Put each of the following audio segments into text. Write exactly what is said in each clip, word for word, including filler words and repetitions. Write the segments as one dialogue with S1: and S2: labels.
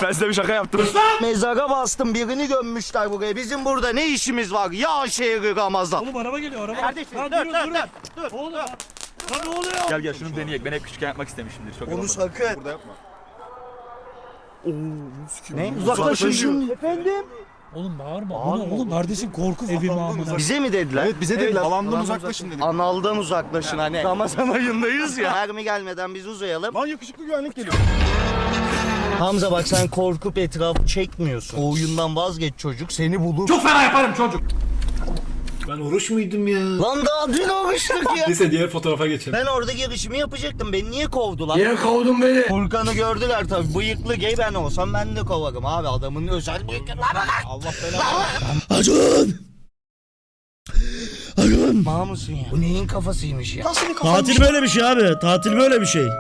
S1: Ben size bir şaka yaptım.
S2: Mezara bastım, birini gömmüşler buraya. Bizim burada ne işimiz var? Ya şehri Ramazan.
S3: Oğlum araba geliyor araba.
S2: Kardeşim
S3: Lan
S2: dur
S3: durun,
S2: dur
S3: durun.
S2: dur. Dur.
S3: Oğlum. Lan ne oluyor?
S1: Gel gel şunu deneyek. Ben hep küçükken yapmak istemişimdir. Çok
S2: Onu
S1: Onu
S2: sakın.
S4: Burada yapma.
S2: Ne? Uzaklaşın. Efendim?
S3: Oğlum bağırma. Bu ne oğlum kardeşim korku evi mi amına?
S2: Bize mi dediler?
S4: Evet bize dediler. Alandan uzaklaşın dedik.
S2: Analdan uzaklaşın hani. Ramazan ayındayız ya. Mermi gelmeden biz uzayalım.
S4: Lan yakışıklı güvenlik geliyor.
S2: Hamza bak sen korkup etrafı çekmiyorsun. O oyundan vazgeç çocuk seni bulur.
S3: Çok fena yaparım çocuk.
S5: Ben oruç muydum ya?
S2: Lan daha dün oruçtuk ya.
S5: Neyse diğer fotoğrafa geçelim.
S2: Ben orada girişimi yapacaktım. Beni niye kovdular?
S5: Niye kovdun beni?
S2: Furkan'ı gördüler tabii. Bıyıklı gay ben olsam ben de kovarım abi. Adamın özel bıyıklı.
S4: Allah belanı.
S6: Acun! Acun!
S2: Mal mısın ya? Bu neyin kafasıymış ya? Nasıl bir
S6: Tatil böyle bir şey abi. Tatil böyle bir şey.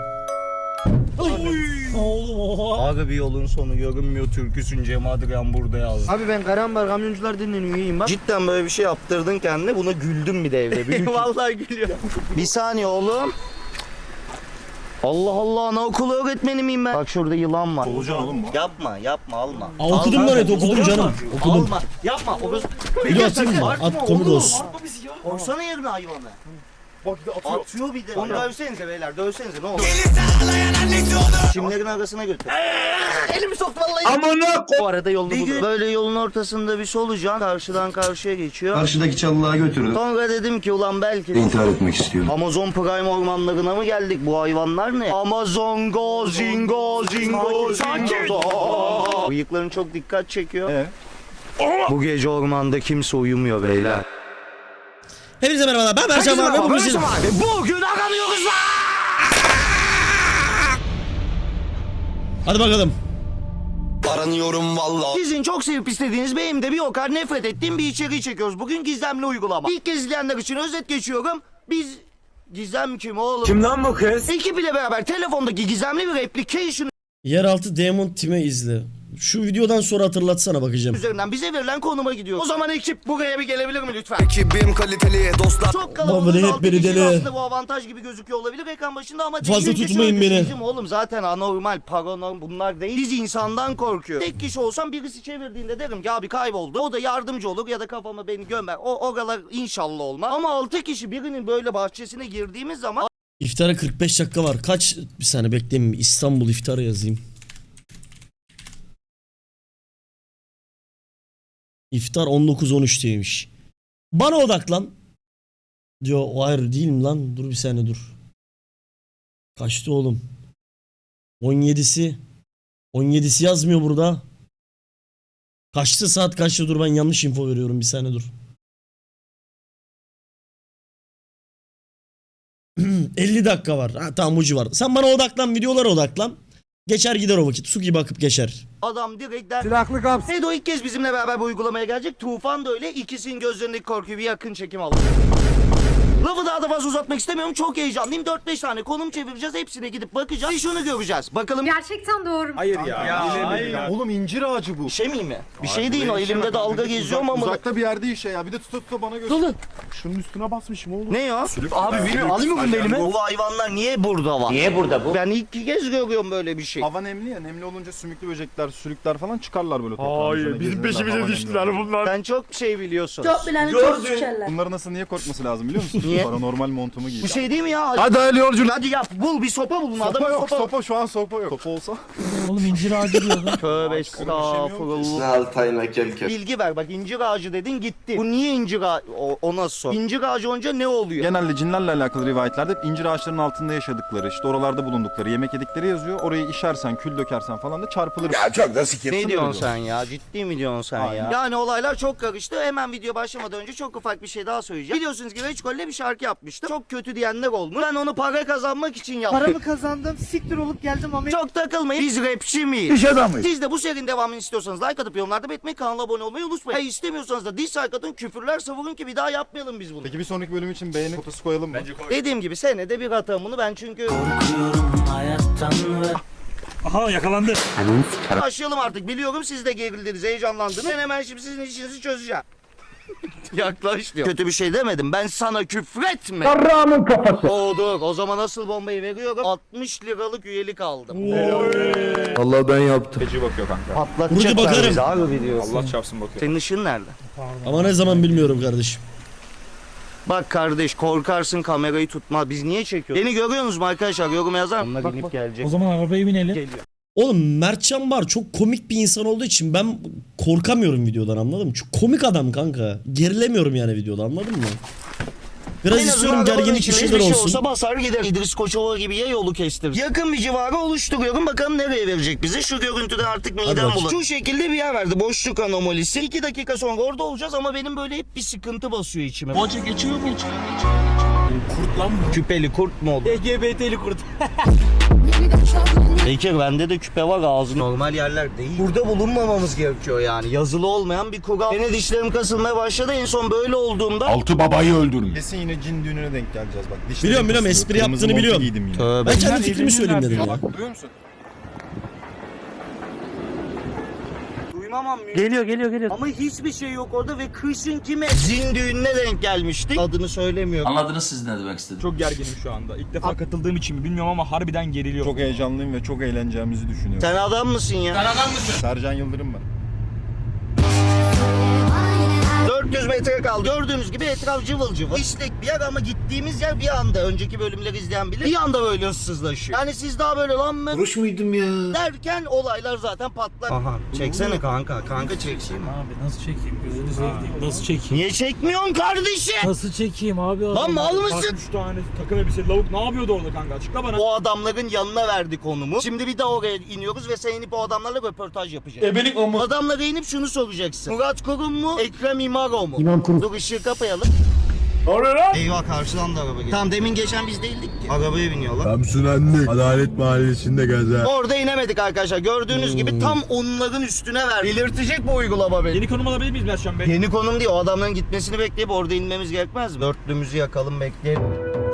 S3: Oğlum oha.
S2: Abi bir yolun sonu görünmüyor türküsün Cem Adrian burada yazdı.
S7: Abi ben Karambar Kamyoncular Derneği'nin üyeyim bak.
S2: Cidden böyle bir şey yaptırdın kendine buna güldüm bir de evde. Büyük. Vallahi gülüyor. Bir saniye oğlum. Allah Allah anaokulu öğretmeni miyim ben? Bak şurada yılan var.
S4: Olacaksın oğlum bu.
S2: Yapma yapma alma.
S6: Aa, okudum ben, evet okudum canım. Okudum.
S2: Alma yapma. O göz...
S6: Bir de atayım mı? At komik olsun.
S2: Korsana yerine hayvanı.
S4: Bak bir de atıyor.
S2: Atıyor bir de. Onu dövsenize beyler dövsenize ne olur. Çimlerin arasına götür. Elimi soktu vallahi.
S6: Amına
S2: Bu arada yolunu bulur. Böyle yolun ortasında bir solucan karşıdan karşıya geçiyor.
S8: Karşıdaki çalılığa götürdüm.
S2: Sonra dedim ki ulan belki de
S8: İntihar etmek istiyorum.
S2: Amazon Prime ormanlarına mı geldik? Bu hayvanlar ne? Amazon go zingo zingo zingo. Bıyıkların çok dikkat çekiyor.
S4: Evet.
S2: Bu gece ormanda kimse uyumuyor beyler.
S6: Hepinize merhabalar. Ben Berçan abi. Bugün siz...
S2: Bugün aramıyoruz lan.
S6: Hadi bakalım.
S8: Aranıyorum valla.
S2: Sizin çok sevip istediğiniz benim de bir o kadar nefret ettiğim bir içeriği çekiyoruz. Bugün gizemli uygulama. İlk kez izleyenler için özet geçiyorum. Biz Gizem kim oğlum?
S5: Kim lan bu kız?
S2: Ekip ile beraber telefondaki gizemli bir application
S6: Yeraltı Demon Team'e izle. Şu videodan sonra hatırlatsana bakacağım.
S2: üzerinden bize verilen konuma gidiyor. O zaman ekip buraya bir gelebilir mi lütfen?
S8: Ekibim kaliteli dostlar.
S2: Çok
S6: Baba
S2: kalabalığız.
S6: ne hep
S2: altı
S6: beni
S2: kişi
S6: deli.
S2: aslında bu avantaj gibi gözüküyor olabilir ekran başında ama
S6: Fazla
S2: değil. Çünkü
S6: tutmayın
S2: şöyle,
S6: beni.
S2: Bizim oğlum zaten anormal, paranormal bunlar değil. Biz insandan korkuyor. Tek kişi olsam birisi çevirdiğinde derim ki abi kayboldu. O da yardımcı olur ya da kafama beni gömer. O oralar inşallah olmaz. Ama altı kişi birinin böyle bahçesine girdiğimiz zaman
S6: İftara kırk beş dakika var. Kaç? Bir saniye bekleyin. İstanbul iftarı yazayım. İftar on dokuz on üçteymiş. Bana odaklan. Diyor o hayır değilim lan. Dur bir saniye dur. Kaçtı oğlum? on yedisi. on yedisi yazmıyor burada. Kaçtı saat kaçtı dur ben yanlış info veriyorum bir saniye dur. elli dakika var. Ha, tamam ucu var. Sen bana odaklan videolara odaklan. Geçer gider o vakit. Su gibi akıp geçer.
S2: adam direkt der.
S7: Silahlı kaps.
S2: Edo ilk kez bizimle beraber bu uygulamaya gelecek. Tufan da öyle. İkisinin gözlerindeki korkuyu bir yakın çekim aldı. Lafı daha da fazla uzatmak istemiyorum. Çok heyecanlıyım. dört beş tane konum çevireceğiz. Hepsine gidip bakacağız. Bir şunu göreceğiz. Bakalım
S9: Gerçekten doğru mu?
S4: Hayır ya. Hayır. Oğlum incir ağacı bu.
S2: bir şey miyim mi? Bir şey değil o. Elimde dalga geziyorum ama.
S4: Uzakta bir yerde işe ya. Bir de tuta tuta bana göster.
S2: Dolu.
S4: Şunun üstüne basmışım oğlum.
S2: Ne ya? Abi bilmiyorum. Alayım mı bunu elime? Bu hayvanlar niye burada var? Niye burada bu? Ben ilk kez görüyorum böyle bir şey.
S4: Hava nemli ya. Nemli olunca sümüklü böcekler, sürükler falan çıkarlar böyle toprağın
S1: Hayır
S4: üzerine,
S1: bizim
S4: gezerler, hava
S1: peşimize
S4: nemli
S1: düştüler
S4: oluyor.
S1: bunlar.
S2: Sen çok şey biliyorsun.
S9: Çok bileni çok sıçarlar.
S4: Bunların nasıl niye korkması lazım biliyor musun?
S2: Niye?
S4: Paranormal montumu giy.
S2: Bu şey değil mi ya?
S4: Hadi hayırlı yolculuk.
S2: Hadi yap. Bul bir sopa bulun.
S4: Sopa
S2: Adamın
S4: yok,
S2: sopa.
S4: sopa şu an sopa yok. Sopa olsa.
S3: Oğlum incir ağacı diyor lan.
S2: Tövbe estağfurullah.
S8: Altayına kelke.
S2: Bilgi ver bak incir ağacı dedin gitti. Bu niye incir ağacı? O, o nasıl sor? İncir ağacı olunca ne oluyor?
S4: Genelde cinlerle alakalı rivayetlerde hep incir ağaçlarının altında yaşadıkları, işte oralarda bulundukları, yemek yedikleri yazıyor. Orayı işersen, kül dökersen falan da çarpılır.
S8: Ya çok da sikim.
S2: Ne diyorsun sen ya? Ciddi mi diyorsun sen
S4: Aynen.
S2: ya? Yani olaylar çok karıştı. Hemen video başlamadan önce çok ufak bir şey daha söyleyeceğim. Biliyorsunuz ki Reçkol'le bir şarkı yapmıştım. Çok kötü diyenler olmuş. Ben onu para kazanmak için yaptım.
S7: Paramı kazandım, siktir olup geldim ama
S2: Çok takılmayın. Biz rapçi miyiz?
S8: İş adamıyız.
S2: Siz de bu serinin devamını istiyorsanız like atıp yorumlarda belirtmeyi, kanala abone olmayı unutmayın. Hayır istemiyorsanız da dislike atın, küfürler savurun ki bir daha yapmayalım biz bunu.
S4: Peki bir sonraki bölüm için beğeni fotosu koyalım mı? Bence koy.
S2: Dediğim gibi senede bir atarım bunu ben çünkü...
S3: Aha yakalandı.
S2: Başlayalım artık. Biliyorum siz de gerildiniz, heyecanlandınız. Ben hemen şimdi sizin işinizi çözeceğim. Yaklaş diyor. Kötü bir şey demedim. Ben sana küfretme. Yarrağımın kafası. Oo dur. O zaman asıl bombayı veriyorum. altmış liralık üyelik aldım.
S8: Allah ben yaptım.
S1: Feci bakıyor kanka.
S2: Patlatacaklar
S6: bakarım.
S2: bizi abi biliyorsun.
S1: Allah çarpsın bakıyor.
S2: Senin ışığın nerede?
S6: Ama ne zaman bilmiyorum kardeşim.
S2: Bak kardeş korkarsın kamerayı tutma. Biz niye çekiyoruz? Beni görüyor musunuz arkadaşlar? Yorum yazar mısın? Onlar inip gelecek.
S3: O zaman arabaya binelim.
S2: Geliyor.
S6: Oğlum Mertcan Bar çok komik bir insan olduğu için ben korkamıyorum videodan, anladın mı? Çok komik adam kanka. Gerilemiyorum yani videoda, anladın mı? Biraz
S2: En
S6: istiyorum
S2: azından
S6: gerginlik bir
S2: içinde
S6: şeyler
S2: hiçbir şey
S6: olsun.
S2: olsa basar gider. İdris Koçova gibi ya yolu kestir. Yakın bir civarı oluşturuyorum. Bakalım nereye verecek bizi. Şu görüntüden artık midem
S6: bakayım.
S2: bulanıyor. Şu şekilde bir yer verdi. Boşluk anomalisi. İki dakika sonra orada olacağız ama benim böyle hep bir sıkıntı basıyor içime. Hoca geçiyor mu? Kurt lan bu. Küpeli kurt mu oldu?
S7: L G B T'li kurt.
S2: Bekir bende de küpe var, ağzı normal yerler değil. Burada bulunmamamız gerekiyor yani. Yazılı olmayan bir kural. Yine dişlerim kasılmaya başladı. En son böyle olduğumda
S8: Altı babayı öldürmüş.
S4: Kesin yine cin düğününe denk geleceğiz bak. Dişlerim
S6: Biliyorum, biliyorum,
S4: kasılıyor.
S6: espri
S4: Kırmızı
S6: yaptığını
S4: montu
S6: biliyorum.
S4: giydim yine.
S2: Tövbe.
S6: Ben kendi fikrimi söyleyeyim dedim ya.
S4: Duyuyor musun?
S2: Duymamam mümkün.
S7: Geliyor geliyor geliyor.
S2: Ama hiçbir şey yok orada ve kışın kime? Zin düğününe denk gelmiştik. Adını söylemiyorum.
S10: Anladınız siz ne demek istedim.
S1: Çok gerginim şu anda. İlk defa katıldığım için mi bilmiyorum ama harbiden geriliyorum.
S4: Çok heyecanlıyım ve çok eğleneceğimizi düşünüyorum.
S2: Sen adam mısın ya?
S4: Sercan Yıldırım ben.
S2: dört yüz metre kaldı. Gördüğünüz gibi etraf cıvıl cıvıl. İşlek bir yer ama gittiğimiz yer bir anda. Önceki bölümleri izleyen bilir. Bir anda böyle ıssızlaşıyor. Yani siz daha böyle lan mı?
S5: Oruç muydum ya?
S2: Derken olaylar zaten patlar. Aha. Çeksene kanka. Kanka çekeyim.
S3: Abi nasıl çekeyim? Gözünü seveyim. Nasıl çekeyim?
S2: Niye çekmiyorsun kardeşim?
S3: Nasıl çekeyim abi?
S2: Lan mal mısın?
S1: Üç tane takım elbiseli lavuk ne yapıyordu orada kanka? Açıkla bana.
S2: O adamların yanına verdik konumu. Şimdi bir daha oraya iniyoruz ve sen inip o adamlarla röportaj yapacaksın. Ebelik o mu? Adamlara inip şunu soracaksın. Murat Kurum mu? Ekrem İmaro mu? İmam Kurum. Dur ışığı kapayalım.
S5: Oraya lan.
S2: Eyvah karşıdan da araba geliyor. Tamam demin geçen biz değildik ki. Arabaya biniyorlar.
S8: Samsunanlık. Adalet Mahallesi'nde gaza.
S2: Orada inemedik arkadaşlar. Gördüğünüz gibi tam onların üstüne ver. Belirtecek bu uygulama beni.
S1: Yeni konum alabilir miyiz Mertcan Bey?
S2: Yeni konum değil. O adamların gitmesini bekleyip orada inmemiz gerekmez mi? Dörtlümüzü yakalım bekleyelim.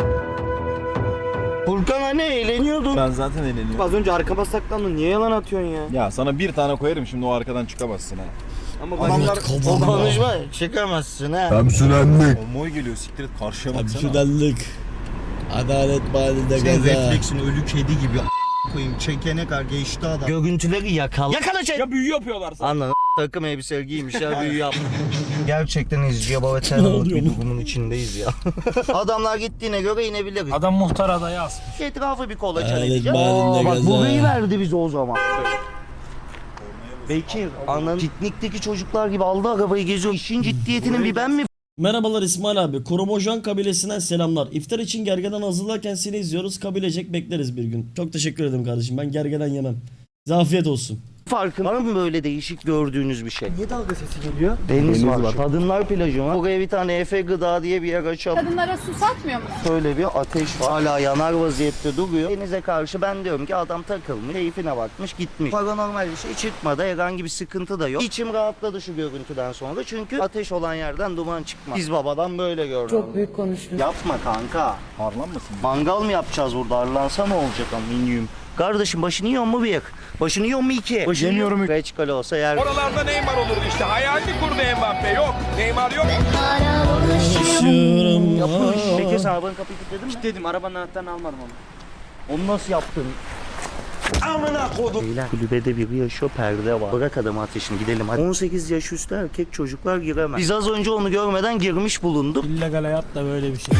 S2: Furkan hani eğleniyordun.
S4: Ben zaten eğleniyorum.
S7: Az önce arkama saklandın. Niye yalan atıyorsun ya?
S4: Ya sana bir tane koyarım şimdi o arkadan çıkamazsın ha.
S7: Ama
S2: Adamlar
S6: Evet,
S2: o
S6: kavga.
S2: konuşma çıkamazsın ha.
S8: Samsunanlık.
S4: O moy geliyor siktir et karşıya baksana.
S6: Hemşirelik. Adalet mahallinde
S2: Sen
S6: gaza.
S2: refleksin ölü kedi gibi a- koyayım çekene kadar geçti adam. Görüntüleri yakala. Yakala çek.
S1: Ya büyü yapıyorlar sana.
S2: Anladın takım elbise giymiş ya büyü yapmış. Gerçekten izciye baba
S6: Ne
S2: terörlük
S6: oluyor
S2: bir
S6: oğlum?
S2: durumun içindeyiz ya. Adamlar gittiğine göre inebiliriz.
S3: Adam muhtar adayı asmış.
S2: Etrafı bir kolaçan
S6: Adalet
S2: edeceğiz.
S6: mahallinde
S2: Bak
S6: gaza.
S2: burayı verdi bize o zaman. Bekir, anan piknikteki çocuklar gibi aldı arabayı geziyor. İşin ciddiyetinin bir ben mi
S6: Merhabalar İsmail abi. Koromojan kabilesinden selamlar. İftar için gergeden hazırlarken seni izliyoruz. Kabilecek bekleriz bir gün. Çok teşekkür ederim kardeşim. Ben gergeden yemem. Size afiyet olsun.
S2: farkın var mı böyle değişik gördüğünüz bir şey?
S7: niye dalga sesi geliyor?
S2: Deniz, var. Kadınlar plajı var. Buraya bir tane Efe Gıda diye bir yer açalım.
S9: Kadınlara su satmıyor mu?
S2: Şöyle bir ateş var. Hala yanar vaziyette duruyor. Denize karşı ben diyorum ki adam takılmış, keyfine bakmış, gitmiş. Paranormal bir şey çıkmadı. Herhangi bir sıkıntı da yok. İçim rahatladı şu görüntüden sonra. Çünkü ateş olan yerden duman çıkmaz. Biz babadan böyle gördük.
S9: Çok büyük konuştun.
S2: Yapma kanka.
S4: Harlanmasın.
S2: Mangal mı yapacağız burada? Arlansa ne olacak aminyum? Kardeşim başını yiyor mu bir? Başını yiyor mu iki? Başını
S4: Yemiyorum.
S2: Reçkal olsa yer.
S8: Oralarda Neymar olurdu işte. Hayalini kurdu Mbappe. Yok. Neymar yok.
S6: Yaşıyorum.
S2: Yapmış.
S6: Aa.
S2: Peki sen arabanın kapıyı kilitledin mi?
S7: Dedim arabanın anahtarını almadım onu.
S2: Onu nasıl yaptın? Amına kodum. Beyler kulübede biri yaşıyor, perde var. Bırak adamı ateşini gidelim hadi. on sekiz yaş üstü erkek çocuklar giremez. Biz az önce onu görmeden girmiş bulunduk.
S3: İllegal hayat da böyle bir şey.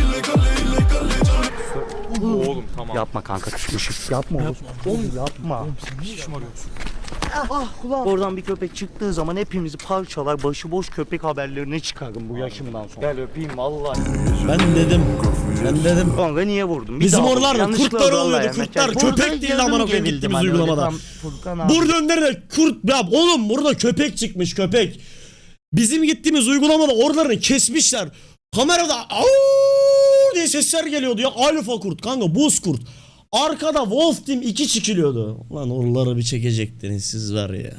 S1: Oğlum tamam.
S2: Yapma kanka küçmüşüm. Yapma oğlum. Oğlum yapma. Ah, ah ulan. Oradan bir köpek çıktığı zaman hepimizi parçalar, başıboş köpek haberlerine çıkarım bu yaşımdan sonra. Gel öpeyim vallahi.
S6: Ben dedim. Ben dedim.
S2: Kanka niye vurdun? Bir
S6: Bizim
S2: daha
S6: oralarda
S2: vurdum. Yanlışlıkla
S6: kurtlar
S2: vallahi
S6: oluyordu,
S2: yani.
S6: kurtlar.
S2: Burada
S6: Köpek değil
S2: yarım
S6: amına koyayım
S2: gerildim
S6: gittiğimiz
S2: hani, öyle
S6: uygulamada.
S2: tam Furkan abi.
S6: Burada önlerine kurt ya oğlum burada köpek çıkmış köpek. Bizim gittiğimiz uygulamada oralarını kesmişler. Kamerada "Au!" diye sesler geliyordu ya. Alfa kurt kanka buz kurt. Arkada Wolf Team iki çıkılıyordu. Lan oraları bir çekecektiniz siz var ya.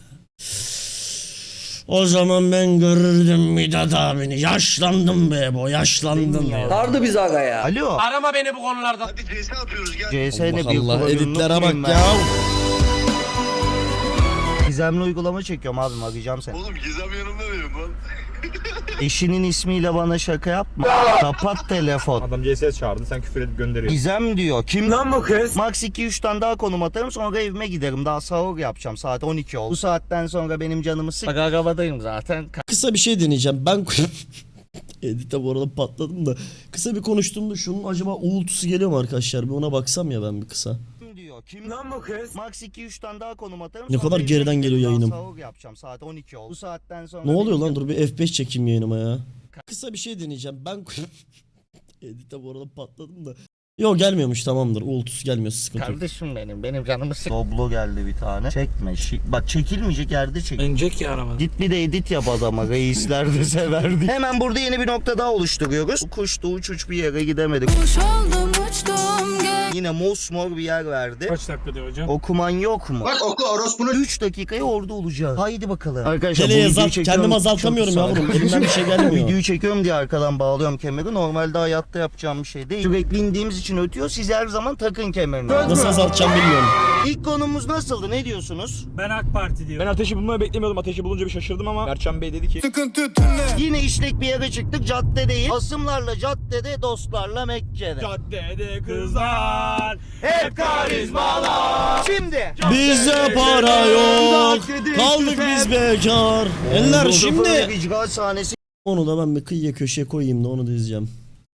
S6: O zaman ben görürdüm Midat abini. Yaşlandım be bu yaşlandım ya.
S7: Sardı bizi aga ya.
S2: Alo.
S10: Arama beni bu konularda.
S2: C S ne bir
S6: Allah
S2: kullanımlık
S6: editlere
S2: mıyım
S6: bak
S2: ben?
S6: ya.
S2: Gizemli uygulama çekiyorum abim, arayacağım seni.
S5: Oğlum Gizem yanımda benim lan.
S2: Eşinin ismiyle bana şaka yapma. Kapat telefon.
S1: Adam C S çağırdı sen küfür edip gönderiyorsun.
S2: Gizem diyor. Kim lan bu kız? Max iki üç tane daha konum atarım sonra evime giderim. Daha sahur yapacağım. Saat on iki oldu. Bu saatten sonra benim canımı sık. Bak arabadayım zaten.
S6: Kısa bir şey deneyeceğim. Ben Edit'e bu arada patladım da. Kısa bir konuştuğumda şunun acaba uğultusu geliyor mu arkadaşlar? Bir ona baksam ya ben bir kısa.
S2: Diyor. Kim lan bu kız? Max iki üç tane daha konum atarım.
S6: Ne
S2: sonra
S6: kadar
S2: evime
S6: geriden
S2: giderim.
S6: geliyor
S2: Daha
S6: yayınım.
S2: Sahur yapacağım. Saat on iki oldu. Bu saatten sonra
S6: Ne oluyor
S2: benim
S6: lan? Dur bir F beş çekeyim yayınıma ya. Kısa bir şey deneyeceğim. Ben Edit'e bu arada patladım da. Yok gelmiyormuş, tamamdır. Uğultusu gelmiyor, sıkıntı yok.
S2: Kardeşim benim, benim canımı sık. Doblo geldi bir tane. Çekme. Şi- Bak çekilmeyecek yerde çek.
S7: İnecek ya araba.
S2: Git bir de edit yap adama. Reisler de severdi. Hemen burada yeni bir nokta daha oluşturuyoruz. Kuştu uç uç bir yere gidemedik.
S9: Kuş oldum uçtum gel.
S2: Yine mosmor bir yer verdi.
S3: Kaç dakika diyor hocam?
S2: Okuman yok mu?
S5: Bak oku orospunun.
S2: üç dakikaya orada olacağız. Haydi bakalım. Arkadaşlar
S6: Hele
S2: bu videoyu
S6: azalt,
S2: çekiyorum.
S6: kendimi azaltamıyorum
S2: Çok
S6: yavrum.
S2: sağ ol.
S6: Elimden bir şey gelmiyor.
S2: Videoyu çekiyorum diye arkadan bağlıyorum kemeri. Normalde hayatta yapacağım bir şey değil. Sürekli indiğimiz için ötüyor. Siz her zaman takın kemerini.
S6: Nasıl azaltacağım bilmiyorum.
S2: İlk konumuz nasıldı? Ne diyorsunuz?
S3: Ben AK Parti diyorum.
S1: Ben ateşi bulmayı beklemiyordum. Ateşi bulunca bir şaşırdım ama Mertcan Bey dedi ki
S2: Yine işlek bir yere çıktık. Caddedeyiz. Asımlarla caddede, dostlarla Mekke'de.
S1: caddede kızlar
S2: Hep karizmalar. Şimdi.
S6: Bizde para yok. Kaldık biz bekar. Eller şimdi.
S2: İcra sahnesi.
S6: Onu da ben bir kıyıya köşeye koyayım da onu da izleyeceğim.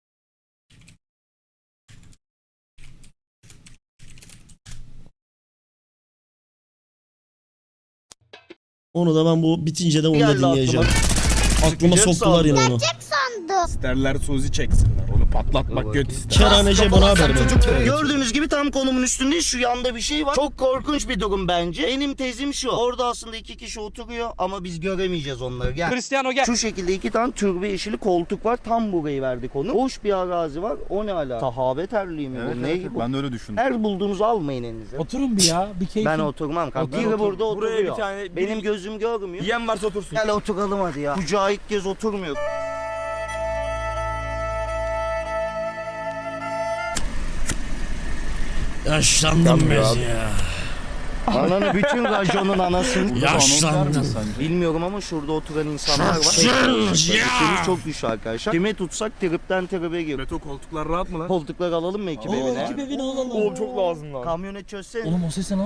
S6: Onu da ben bu bitince de onu da
S2: Geldi
S6: dinleyeceğim. Aklıma
S2: Çıkacak
S6: soktular yine onu.
S1: isterler Suzi çeksinler. Onu patlatmak göt ister.
S6: Kerhanece bana haber verin.
S2: Gördüğünüz gibi tam konumun üstünde şu yanda bir şey var. Çok korkunç bir durum bence. Benim tezim şu. Orada aslında iki kişi oturuyor ama biz göremeyeceğiz onları. Gel.
S1: Cristiano gel.
S2: Şu şekilde iki tane türbe yeşili koltuk var. Tam burayı verdik onu. Boş bir arazi var. O ne ala? Sahabe terliği mi
S4: Evet,
S2: bu? Ne
S4: evet,
S2: bu?
S4: ben de öyle düşündüm.
S2: Her bulduğunuzu almayın elinize.
S3: Oturun bir ya. Bir keyifli.
S2: Ben oturmam kanka.
S1: Ben
S2: Biri
S1: otur-
S2: burada
S1: Buraya
S2: oturuyor.
S1: bir tane-
S2: Benim
S1: bir-
S2: gözüm görmüyor.
S1: Yiyen varsa otursun.
S2: Gel oturalım hadi ya. Mücahit Gez oturmuyor.
S6: Yaşlandım biz ya.
S2: Ananı bütün raconun anasını.
S6: Yaşlandım.
S2: Bilmiyorum ama şurada oturan insanlar var. Sesimiz çok düşük arkadaşlar. Kime tutsak tripten tribe gir.
S1: Beto koltuklar rahat mı lan?
S2: Koltukları alalım mı ekip evine?
S3: Ekip evine alalım.
S1: Oğlum çok lazım lan.
S2: Kamyonet çözsene.
S3: Oğlum o ses ne lan?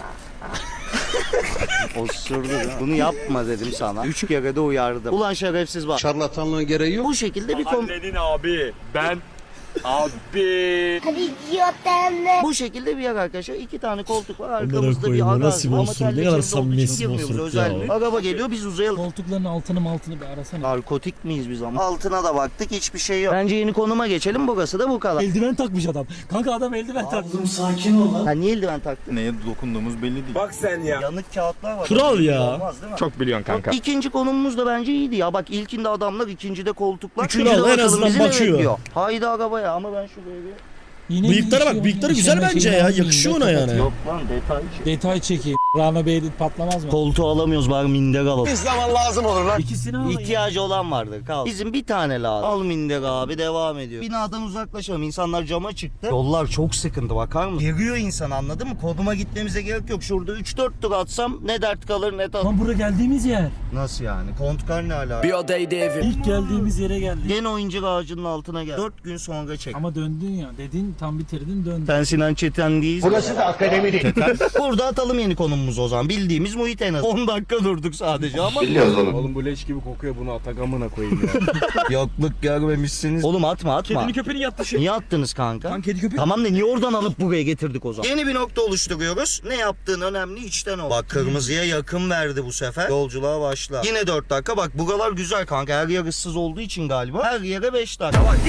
S2: Osurdu lan. Bunu yapma dedim sana. Üç kere de uyardım. Ulan şerefsiz bak.
S10: Şarlatanlığın gereği yok.
S2: Bu şekilde bir kom...
S1: Halledin abi. Ben abi.
S2: Bu şekilde bir yer arkadaşlar. İki tane koltuk var.
S6: Amına
S2: Arkamızda bir
S6: koyayım,
S2: arazi
S6: nasıl bir
S2: var. Ama
S6: osuruk, ne
S2: terlik
S6: kadar
S2: içinde olduğu için
S6: samimiyetsiz bir
S2: girmiyoruz,
S6: osuruk
S2: özel
S6: ya.
S2: mi? Araba geliyor biz uzayalım.
S3: Koltukların altını maltını bir arasana.
S2: Narkotik miyiz biz ama? Altına da baktık hiçbir şey yok. Bence yeni konuma geçelim. Burası da bu kadar.
S3: Eldiven takmış adam. Kanka adam eldiven takmış.
S2: Ha niye eldiven taktın?
S4: Neye dokunduğumuz belli değil.
S1: Bak sen ya.
S2: Yanık kağıtlar var.
S6: Kral ya.
S2: Olmaz değil mi?
S1: Çok biliyorsun kanka.
S2: İkinci konumumuz da bence iyiydi ya. Bak ilkinde adamlar, ikincide koltuklar.
S6: Kral,
S2: Üçüncüde
S6: en
S2: bakalım
S6: azından
S2: bizi ne
S6: bakıyor.
S2: bekliyor. Haydi arabaya ama ben şuraya bir...
S3: Yine
S6: Bıyıklara
S3: bir
S6: bak,
S3: şey-
S6: bıyıkları
S3: işeme
S6: güzel bence
S3: şeyini
S6: ya,
S3: almayayım,
S6: yakışıyor
S3: yok,
S6: ona
S3: yok.
S6: yani.
S2: Yok lan detay.
S3: Detay çekeyim. Rana Bey edit patlamaz mı?
S2: Koltuğu alamıyoruz bari minder alalım.
S5: Zaman lazım olur lan.
S3: İkisini al.
S2: İhtiyacı olan vardır kal. Bizim bir tane lazım. Al minder abi devam ediyor. Binadan uzaklaşalım. İnsanlar cama çıktı. Yollar çok sıkıntı bakar mısın? Geriyor insan anladın mı? Konuma gitmemize gerek yok. Şurada üç dört tur atsam ne dert kalır ne tat.
S3: Lan buraya geldiğimiz yer.
S2: Nasıl yani? Kontkar ne ala?
S10: Bir odaydı evim.
S3: İlk geldiğimiz yere geldik.
S2: Gene o incir ağacının altına gel. dört gün sonra çek.
S3: Ama döndün ya. Dedin tam bitirdin döndün.
S2: Sen Sinan Çeten değilsin.
S5: Burası da akademi değil.
S2: Burada atalım yeni konumumuz o zaman. Bildiğimiz muhit en az. on dakika durduk sadece ama.
S5: Biliyoruz oğlum.
S1: Oğlum bu leş gibi kokuyor, bunu atagamına koyayım ya.
S2: Yokluk görmemişsiniz. Oğlum atma atma.
S1: Kedini köpeğini yattı şey.
S2: Niye attınız kanka?
S1: Lan kedi köpek.
S2: Tamam da niye oradan alıp buraya getirdik o zaman? Yeni bir nokta oluşturuyoruz. Ne yaptığın önemli, içten ol. Bak kırmızıya yakın verdi bu sefer. Yolculuğa başla. Yine dört dakika. Bak buralar güzel kanka. Her yer ıssız olduğu için galiba. Her yere beş dakika. Bak.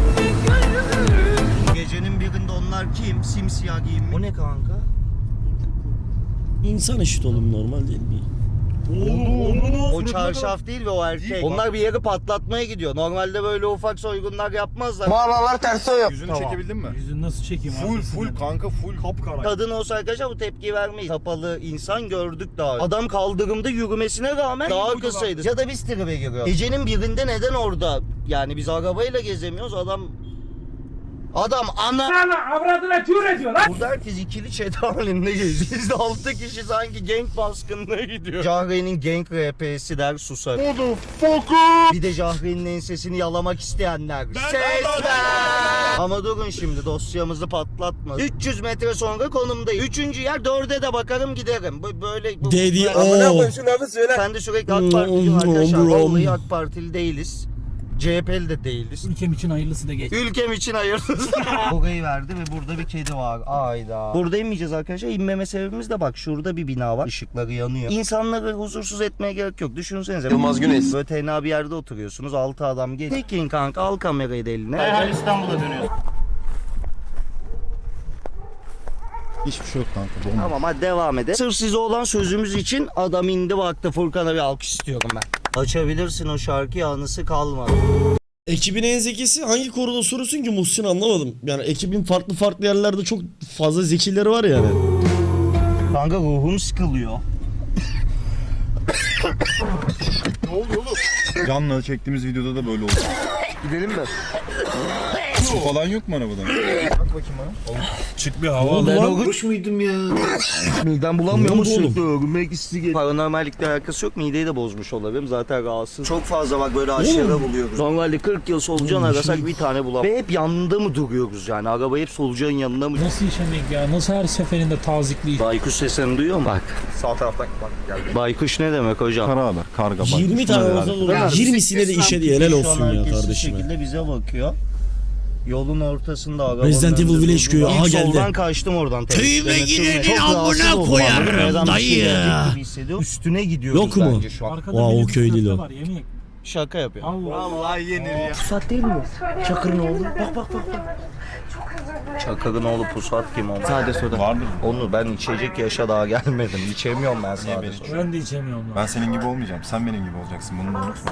S2: Gecenin birinde onlar kim? Simsiyah giyinmiş. O ne kanka?
S6: İnsan eşit oğlum, normal değil mi?
S2: O çarşaf değil ve o erkek. Onlar bir yeri patlatmaya gidiyor. Normalde böyle ufak soygunlar yapmazlar.
S5: Mağaralar ters o yok.
S4: Yüzünü
S2: Tamam.
S4: çekebildin mi?
S3: Yüzünü nasıl çekeyim
S4: Full
S3: arkasından?
S4: full kanka full.
S1: Kapkara.
S2: Kadın olsa arkadaşlar bu tepkiyi vermeyiz. Kapalı insan gördük daha. Adam kaldırımda yürümesine rağmen daha kısaydı. Ya da biz tribe giriyoruz. Gecenin birinde neden orada? Yani biz arabayla gezemiyoruz. Adam Adam ana...
S8: Ana avradına tür ediyor lan.
S2: Burada herkes ikili chat halinde geziyor. Biz de altı kişi sanki gank baskınına gidiyor. Jahre'nin gank R P'si der susar. Motherfucker! Bir de Jahre'nin ensesini yalamak isteyenler. Ses ver! Ama durun şimdi dosyamızı patlatma. üç yüz metre sonra konumdayım. Üçüncü yer dörde de bakarım giderim. Bu- Böyle... bu-
S6: Dedi
S2: bu-
S6: o.
S2: Ben de sürekli AK Partiliyim arkadaşlar. Vallahi AK Partili değiliz. C H P'li de değiliz.
S3: Ülkem için hayırlısı da geç.
S2: Ülkem için hayırlısı. Burayı verdi ve burada bir kedi var. Ayda. Burada inmeyeceğiz arkadaşlar. İnmeme sebebimiz de bak şurada bir bina var. Işıkları yanıyor. İnsanları huzursuz etmeye gerek yok. Düşünsenize.
S5: Yılmaz Güneş.
S2: Böyle tenha bir yerde oturuyorsunuz. Altı adam geliyor. Tekin kanka al kamerayı da eline. Herhal İstanbul'a dönüyor.
S4: Hiçbir şey yok kanka. Bomba.
S2: Tamam hadi devam edelim. Sırf size olan sözümüz için adam indi baktı. Furkan'a bir alkış istiyorum ben. Açabilirsin o şarkıyı anısı kalmadı.
S6: Ekibin en zekisi hangi konuda sorusun ki Muhsin, anlamadım. Yani ekibin farklı farklı yerlerde çok fazla zekileri var yani.
S2: Kanka ruhum sıkılıyor.
S4: Canla çektiğimiz videoda da böyle oldu.
S5: Gidelim mi?
S4: Su falan yok mu arabadan?
S1: Çık bir hava al.
S6: Ben o
S5: Kuş muydum ya?
S2: Midem bulanmıyor
S6: Ne
S2: mu
S6: oldu oğlum?
S2: sürekli örülmek istiyor. Paranormallikle alakası yok, mideyi de bozmuş olabilirim zaten rahatsız. Çok fazla bak böyle aşağıda buluyoruz. Normalde kırk yıl solucan arasak bir tane bulamıyoruz. Ve hep yanında mı duruyoruz yani, araba hep solucanın yanında mı?
S3: Nasıl işemek ya? Nasıl her seferinde tazikli?
S2: Baykuş sesini duyuyor mu? Bak.
S5: Sağ taraftan bak geldi.
S2: Baykuş ne demek hocam?
S4: Kara haber, karga bak.
S6: yirmi tane olsa olur. yirmisine de işe diye helal olsun ya
S2: Şu
S6: kardeşime.
S2: şekilde bize bakıyor. Yolun ortasında araba.
S6: Resident Evil Village köyü, aha geldi.
S2: Soldan kaçtım oradan.
S6: Köyüme
S2: Temizleme,
S6: gidenin
S2: çok rahatsız
S6: amına
S2: oldum.
S6: koyarım
S2: Neden bir şey
S6: dayı.
S2: gelecek gibi hissediyorum. Üstüne gidiyoruz
S6: Yok mu?
S2: bence şu an.
S3: Arkada
S6: Vay,
S3: benim
S6: o köy değil o.
S3: var, yemin.
S2: Şaka yapıyor.
S3: Allah.
S2: Pusat değil mi? Çakır'ın oğlu. Bak bak bak. bak. Çakır'ın oğlu Pusat kim o? Sade soda.
S4: Vardır.
S2: Onu ben içecek yaşa daha gelmedim. İçemiyorum ben sade soda.
S3: Ben de içemiyorum lan.
S4: Ben senin gibi olmayacağım. Sen benim gibi olacaksın. Bunu da unutma.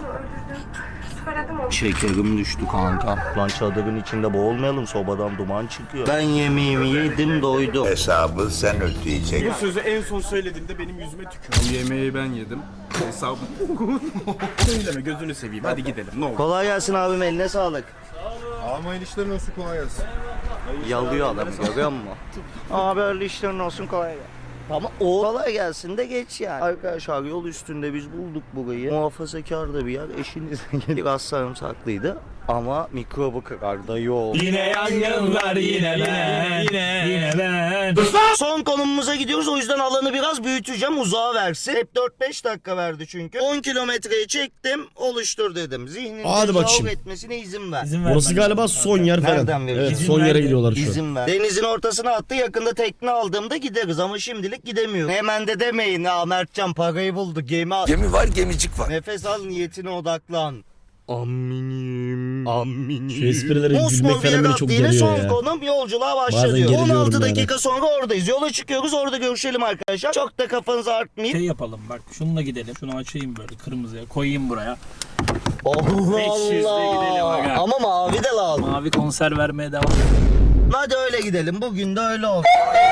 S2: Şekerim düştü kanka. Lan çadırın içinde boğulmayalım, sobadan duman çıkıyor. Ben yemeğimi yedim doydum.
S5: Hesabı sen ödeyeceksin.
S8: Bu sözü en son söylediğimde benim yüzüme tükürdü. Bu yemeği ben yedim. Hesabı. Söyleme gözünü seveyim. Hadi gidelim ne olur.
S2: Kolay gelsin abim, eline sağlık.
S4: Almayın işlerin olsun, kolay gelsin.
S2: Yalıyor adam, görüyor musun? Abi öyle işlerin olsun, kolay gelsin. Tamam o kolay gelsin de geç yani. Arkadaşlar yol üstünde biz bulduk burayı. Muhafazakar da bir yer. Eşiniz biraz sarımsaklıydı. Ama mikrobu kırarda yol.
S1: Yine yangınlar yine ben. Yine. Yine ben.
S2: Son konumumuza gidiyoruz, o yüzden alanı biraz büyüteceğim, uzağa versin. Hep dört beş dakika verdi çünkü. on kilometreyi çektim, oluştur dedim. Zihnin
S6: Hadi
S2: tezahür
S6: bakayım.
S2: etmesine izin ver.
S3: İzin ver
S6: Burası
S3: bana.
S6: galiba son yer falan.
S2: Nereden vereceğiz?
S6: Evet,
S3: İzin
S6: son yere
S3: ver.
S6: gidiyorlar şu an.
S2: İzin ver. Denizin ortasına attı, yakında tekne aldığımda gideriz ama şimdilik gidemiyoruz. Hemen de demeyin ha, Mertcan parayı buldu, gemi al.
S5: Gemi var gemicik var.
S2: Nefes al, niyetine odaklan. Aminim, aminim.
S6: Şu esprileri
S2: Mosmor
S6: gülmek falan beni
S2: Viaduct
S6: çok
S2: yine
S6: geriyor
S2: son
S6: ya.
S2: konum, yolculuğa
S6: Bazen
S2: başlıyor.
S6: geriliyorum
S2: on altı
S6: yani.
S2: dakika sonra oradayız. Yola çıkıyoruz, orada görüşelim arkadaşlar. Çok da kafanızı artmayın.
S3: Şey yapalım bak, şununla gidelim. Şunu açayım böyle kırmızıya koyayım buraya.
S2: Allah
S3: beş yüzle gidelim
S2: Allah.
S3: aga.
S2: Ama mavi de lazım.
S3: Mavi konser vermeye devam.
S2: Hadi öyle gidelim. Bugün de öyle olsun.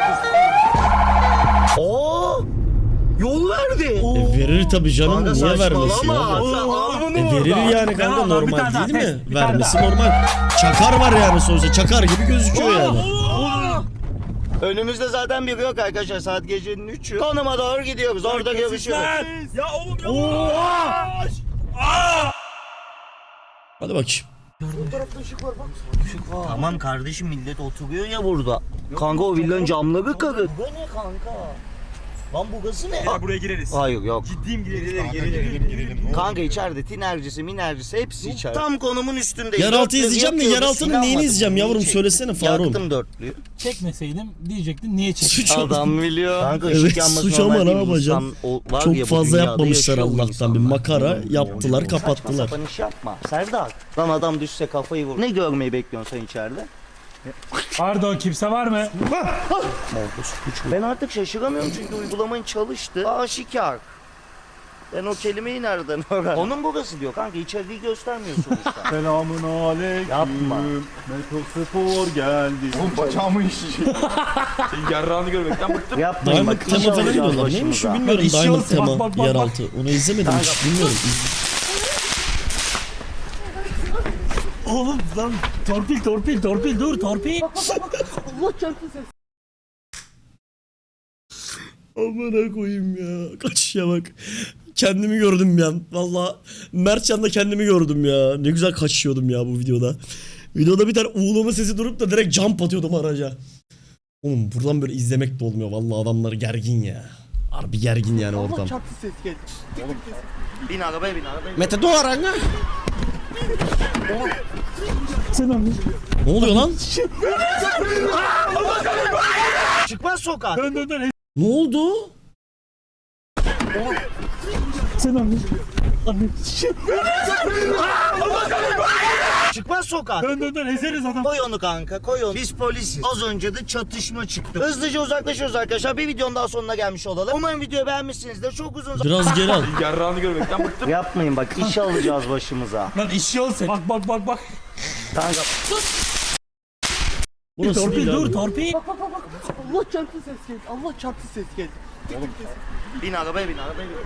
S2: Oo! Yol verdi.
S6: E verir tabii canım,
S2: Kanka
S6: niye vermesin
S2: saçmalama.
S6: abi?
S2: Sen alnını
S6: E
S2: vur
S6: verir
S2: da.
S6: yani kanka,
S3: Tamam, bir
S6: normal
S3: tane daha,
S6: değil mi?
S3: test, bir tane
S6: Vermesi normal. Çakar var yani sonuçta, çakar gibi gözüküyor yani.
S2: Önümüzde zaten biri yok arkadaşlar. Saat gecenin üçü. Konuma doğru gidiyoruz. Orada görüşürüz.
S1: Ya oğlum ya.
S6: Hadi bakayım.
S2: Tamam kardeşim, millet oturuyor ya burada. Kanka o villanın camları kırık. Bu ne kanka? Lan burası ne?
S1: Ya buraya gireriz.
S2: Hayır yok.
S1: Ciddiyim gireriz. Girelim girelim.
S2: Kanka içeride tinercisi minercisi hepsi içeride. Tam konumun üstündeyiz.
S6: Yeraltı
S2: Dörtlüğü
S6: izleyeceğim de
S2: yakıyoruz,
S6: yeraltının
S2: inanmadım.
S6: neyini izleyeceğim
S2: Neyi
S6: yavrum,
S2: çektim?
S6: söylesene Faruk.
S2: Yaktım dörtlüğü.
S3: Çekmeseydin diyecektin niye çektin?
S6: Suç oldu.
S2: Adam biliyor. Kanka
S6: Evet,
S2: ışık yanması
S6: suç ama
S2: normal
S6: ne
S2: değil.
S6: yapacaksın?
S2: İnsan o- var
S6: Çok
S2: ya bu
S6: fazla
S2: dünyada
S6: yapmamışlar
S2: yaşıyor bu
S6: Allah'tan, bir
S2: insanlar.
S6: makara yaptılar, kapattılar.
S2: Saçma sapan iş yapma. Serdar. Lan adam düşse kafayı vur. Ne görmeyi bekliyorsun sen içeride?
S3: Pardon, kimse var mı?
S2: Ben artık şaşıramıyorum çünkü uygulamanın çalıştı. Aşikar. Ben o kelimeyi nereden öğrendim? Onun burası diyor kanka, içeriği göstermiyor sonuçta.
S4: Selamun aleyküm.
S2: Yapma.
S4: Metrospor geldi. Oğlum bacağımı işecek.
S1: Senin yarrağını görmekten bıktım.
S2: Yapmayın
S6: Diamond
S2: bak.
S6: tema
S2: iş
S6: falan
S2: alacağız
S6: diyorlar. Neymiş şu
S2: başımıza.
S6: bilmiyorum,
S3: İş
S6: Diamond
S3: olsun,
S6: tema
S3: bak, bak, bak,
S6: yeraltı. Onu izlemedim hiç, bilmiyorum.
S3: Oğlum lan torpil torpil torpil dur torpil.
S7: Allah çarptı ses.
S6: Amına koyayım ya. Kaçışa bak. Kendimi gördüm bir an. Valla Mertcan'da kendimi gördüm ya. Ne güzel kaçıyordum ya bu videoda. Videoda bir tane uğulama sesi durup da direkt jump atıyordum araca. Oğlum buradan böyle izlemek de olmuyor. Valla adamlar gergin ya. Harbi gergin yani ortam.
S7: Allah çarptı ses geldi. Oğlum.
S2: Bin arabaya bin arabaya bin.
S6: Mete Doğaran ha?
S3: Selam.
S6: Ne oluyor lan?
S2: Çıkmaz sokak.
S3: Dön dön dön.
S6: Ne oldu?
S3: Selam.
S2: Çıkmaz sokak.
S3: Dön dön dön ezeriz adam.
S2: Koy onu kanka koy onu. Biz polisiz. Az önce de çatışma çıktı. Hızlıca uzaklaşıyoruz arkadaşlar. Bir videonun daha sonuna gelmiş olalım. Umarım videoyu beğenmişsinizdir. Çok uzun zaman.
S6: Biraz geri al.
S1: Yarrağını görmekten bıktım.
S2: Yapmayın bak iş alacağız başımıza.
S3: Lan işi ol sen. Bak bak bak bak.
S2: Kanka
S6: Burası
S3: Torpil
S6: değil
S3: dur
S6: abi.
S3: torpil.
S7: Allah çarptı ses geldi. Allah çarptı ses geldi.
S2: bin arabaya bin arabaya bin.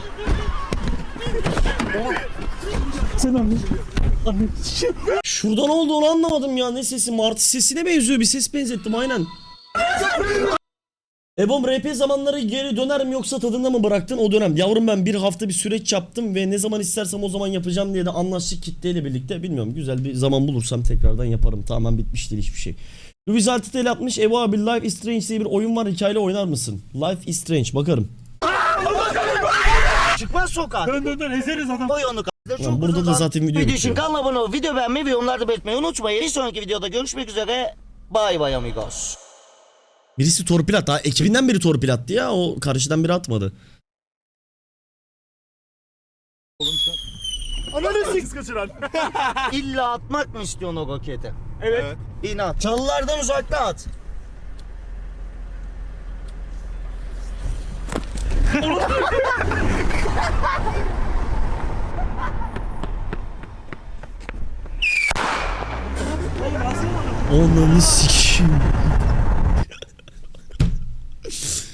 S3: Selam.
S6: Şurada ne oldu onu anlamadım ya. Ne sesi? Martı sesine benziyor. Bir ses benzettim aynen. Ebom R P zamanları geri döner mi yoksa tadında mı bıraktın o dönem? Yavrum ben bir hafta bir süreç yaptım ve ne zaman istersem o zaman yapacağım diye de anlaştık kitleyle birlikte. Bilmiyorum güzel bir zaman bulursam tekrardan yaparım. Tamamen bitmiş değil hiçbir şey. Louis Altıtel yapmış. Evo abi Life is Strange diye bir oyun var. Hikayeli oynar mısın? Life is Strange bakarım.
S2: Çıkmaz sokak.
S3: Dön dön dön ezeriz adam.
S2: Koy onu kanka.
S6: Lan burada da zaten video
S2: Video için
S6: bitiyor.
S2: kanala abone ol, video beğenmeyi ve yorumlarda belirtmeyi unutmayın. Bir sonraki videoda görüşmek üzere. Bye bye amigos.
S6: Birisi torpil attı. Ha, ekibinden biri torpil attı ya. O karşıdan biri atmadı.
S8: Ananı sik kaçıran.
S2: İlla atmak mı istiyorsun o roketi? Evet. İnat. Çalılardan uzakta at.
S6: Onları sikeyim.